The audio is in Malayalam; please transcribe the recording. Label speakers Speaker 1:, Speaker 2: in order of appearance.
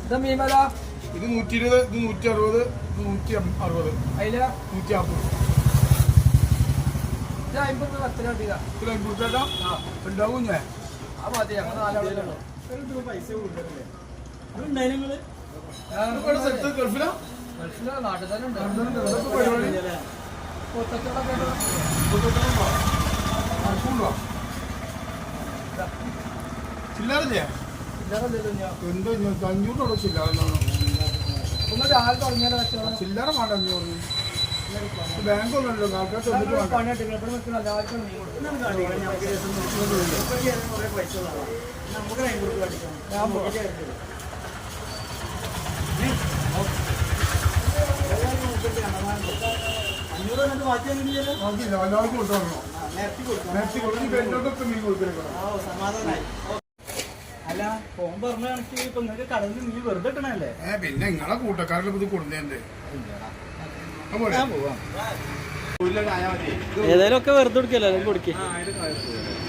Speaker 1: മീമല
Speaker 2: ഇത് 120, ഇത് 160, ഇത് 160.
Speaker 1: അതില്
Speaker 2: 150.
Speaker 1: ഇത് 50 10 കിട്ടിയതാ.
Speaker 2: ഇത് 50 ചേട്ടാ ഉണ്ടാവും ഞാൻ.
Speaker 1: ആ മതി ഞങ്ങൾ 4 ആളുകളുള്ളൂ.
Speaker 3: പൈസ കൊടുക്കണല്ലേ
Speaker 2: ഗൾഫിലാ
Speaker 1: ഗൾഫിലെ നാട്ടിൽ തന്നെ ഉണ്ട്.
Speaker 2: ചില്ലാറില്ലേ എന്തോ 500 ചില്ലാറ
Speaker 1: ഒന്ന് രാവിലെ തുടങ്ങിയാലോ കച്ചവടം.
Speaker 2: ചില്ലറ വേണ്ട 500. ബാങ്ക് ഒന്നുമല്ലോ ആൾക്കാർ തൊന്നിട്ട് വേണ്ട.
Speaker 1: പണിയായിട്ട് ഇവിടെ നിൽക്കുന്ന എല്ലാവർക്കും മീൻ കൊടുക്കും. ഞാൻ പോകാം.
Speaker 2: നോക്കില്ല എല്ലാവർക്കും കൊടുത്തോളൂ. നേരത്തെ കൊടുത്ത് പെണ്ണോട്ടൊക്കെ മീൻ കൊടുത്തിരിക്കണം.
Speaker 3: അല്ല ഫോൺ പറഞ്ഞ കണക്ക് ഇപ്പൊ നിങ്ങൾക്ക് കടലിൽ മീൻ വെറുതെ ഇട്ടണല്ലേ?
Speaker 2: പിന്നെ നിങ്ങളെ കൂട്ടക്കാരിൽ ഇത് കൊടുന്നേ
Speaker 3: ഏതായാലും ഒക്കെ വെറുതെ കൊടുക്കല്ലോ കൊടുക്കേ.